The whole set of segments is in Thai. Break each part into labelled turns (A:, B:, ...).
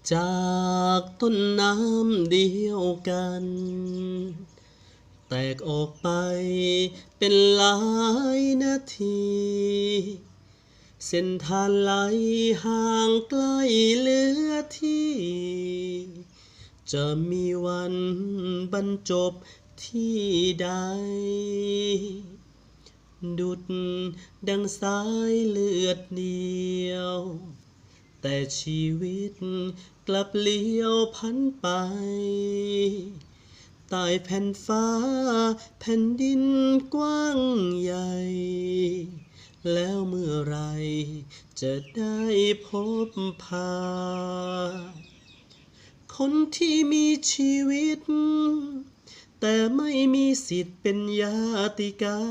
A: จากต้นน้ำเดียวกันแตกออกไปเป็นหลายนาทีเส้นทางไหลห่างไกลเหลือที่จะมีวันบรรจบที่ใดดุจดังสายเลือดเดียวแต่ชีวิตกลับเลี้ยวพันไปใต้แผ่นฟ้าแผ่นดินกว้างใหญ่แล้วเมื่อไรจะได้พบพาคนที่มีชีวิตแต่ไม่มีสิทธิ์เป็นญาติกา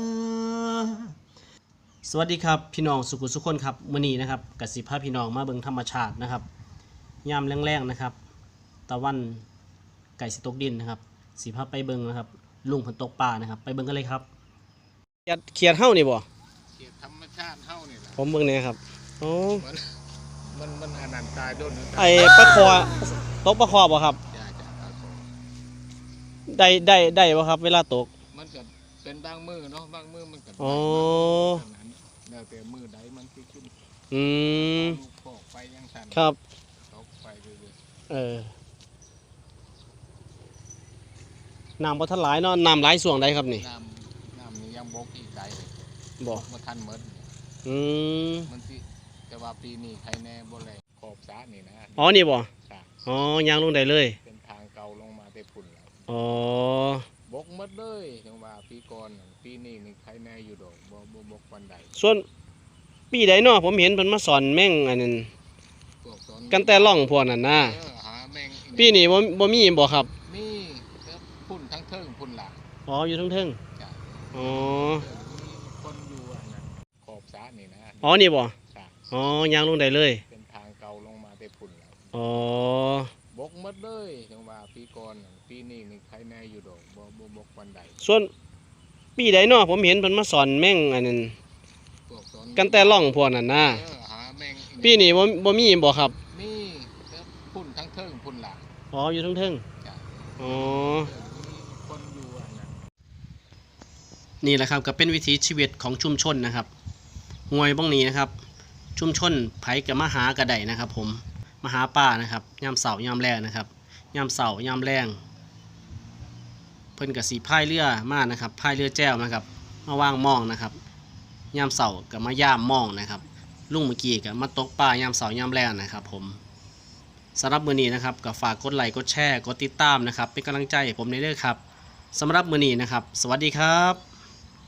A: สวัสดีครับพี่น้องสุขุสุขคนครับมื้อนี้นะครับกสิพาพี่น้องมาเบิ่งธรรมชาตินะครับยามแรงๆนะครับตะวันไก่สิตกดินนะครับสิพาไปเบิ่งนะครับลุงเพิ่นตกปลานะครับไปเบิ่งกันเลยครับเขียดเฮานี่บ่
B: เขียดธรรมชาติเฮานี่ล่ะ
A: ผมเบิ่งแน่ครับโอ้
B: มันอนันต์ตายโดน
A: ไอ้ปลาคอตกปลาคอบ่ครับ
B: จ้าปลาคอ
A: ได้บ่ครับเวลาตก
B: มันก็เป็นบางมือเนาะบางมือมันก็
A: อ๋อ
B: แล้วแต่มือใดมันสิขึ้นลูกโป่งไปยังสั่น
A: ครับ
B: ตกไปเรื่อย
A: น้ำบ่ทันหลายเนาะน้ำหลายส่วงใดครับนี่
B: น้ำนี่ยังบกอีกไกล
A: บ่
B: ทันหมดมันสิแต่ว่าปีนี้ใครแน่บ่แลขอบสระนี่นะ
A: อ๋อนี่บ่อ๋อยางลงได้เลย
B: เป็นทางเก่าลงมาแต่พุ่นแล้ว
A: อ๋
B: บกหมดเลยจังว่าปีก่อนปีนี้นี่ใครแน่อยู่ดอกบ่บกปานใด
A: ส่วนปีใดเนาะผมเห็นเพิ่นมาสอนแม่งอันนั้นกันแต่ล่องพวกนั้นนะปีนี้บ่มีบ่ครับ
B: มีพุ่นทั้งเทิงพุ่นหลัง
A: อ๋ออยู่ทั้งเทิงอ๋อ
B: คนอยู่อันนั้นขอบสระนี่นะ
A: อ๋อนี่บ่อ๋อยางลงได้เลย
B: เป็นทางเก่าลงมาแต่พุ่นแล้ว
A: อ๋อบ
B: กหมดเลยจังว่าปีก่อนปีนี้นี่ใครแน่อยู่ดอกบ่บกปานใด
A: ส่วนปีใดเนาะผมเห็นเพิ่นมาสอนแม่งอันนั้นกันแต่ล่องพวกนั้นนะปีนี้บ่มีบ่ครับ
B: มีพุ่นทั้งเทิงพุ่นหลัง
A: อ๋ออยู่ทั้งเทิงอ๋อ
B: คนอยู่อันนั้น
A: นี่แหละครับก็เป็นวิถีชีวิตของชุมชนนะครับห้วยบ้องนี้นะครับชุมชนไผกับมาหากระไดนะครับผมมาหาป่านะครับยามเสาร์ยามแรงนะครับยามเสาร์ยามแรงเพิ่นกับสีพายเรือมานะครับพายเรือแจ้วนะครับมาว่างมองนะครับยามเสาร์กับมาย่ามมองนะครับลุงเมื่อกี้กับมาตกปลายามเสาร์ยามแรงนะครับผมสำหรับมื้อนี้นะครับก็ฝากกดไลค์กดแชร์กดติดตามนะครับเป็นกำลังใจให้ผมในเรื่องครับสำหรับมื้อนี้นะครับสวัสดีครับ